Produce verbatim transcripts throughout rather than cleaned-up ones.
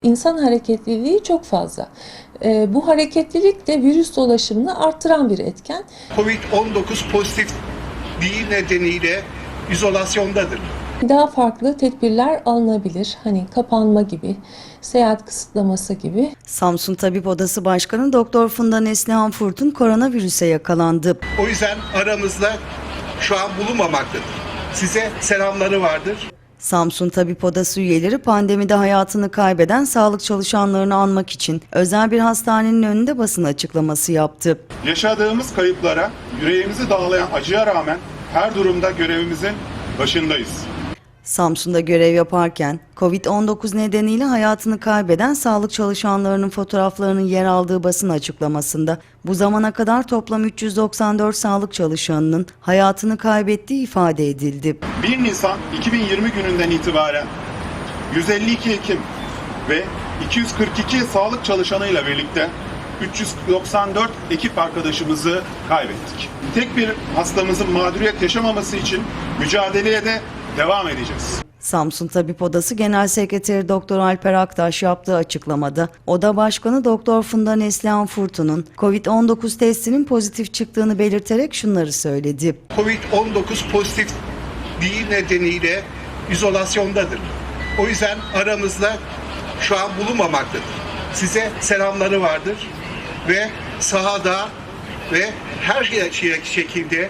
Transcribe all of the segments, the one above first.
İnsan hareketliliği çok fazla. E, bu hareketlilik de virüs dolaşımını arttıran bir etken. Covid on dokuz pozitifliği nedeniyle izolasyondadır. Daha farklı tedbirler alınabilir. Hani kapanma gibi, seyahat kısıtlaması gibi. Samsun Tabip Odası Başkanı Doktor Funda Neslihan Furtun koronavirüse yakalandı. O yüzden aramızda şu an bulunmamaktadır. Size selamları vardır. Samsun Tabip Odası üyeleri pandemide hayatını kaybeden sağlık çalışanlarını anmak için özel bir hastanenin önünde basın açıklaması yaptı. Yaşadığımız kayıplara, yüreğimizi dağlayan acıya rağmen her durumda görevimizin başındayız. Samsun'da görev yaparken Covid on dokuz nedeniyle hayatını kaybeden sağlık çalışanlarının fotoğraflarının yer aldığı basın açıklamasında bu zamana kadar toplam üç yüz doksan dört sağlık çalışanının hayatını kaybettiği ifade edildi. bir Nisan iki bin yirmi gününden itibaren yüz elli iki hekim ve iki yüz kırk iki sağlık çalışanıyla birlikte üç yüz doksan dört ekip arkadaşımızı kaybettik. Tek bir hastamızın mağduriyet yaşamaması için mücadeleye de devam edeceğiz. Samsun Tabip Odası Genel Sekreteri Doktor Alper Aktaş yaptığı açıklamada Oda Başkanı Doktor Funda Neslihan Furtun'un Covid on dokuz testinin pozitif çıktığını belirterek şunları söyledi. Covid on dokuz pozitifliği nedeniyle izolasyondadır. O yüzden aramızda şu an bulunmamaktadır. Size selamları vardır ve sahada ve her şekilde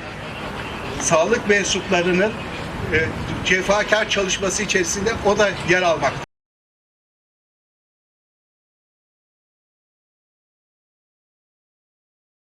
sağlık mensuplarının e, cefakar çalışması içerisinde o da yer almaktadır.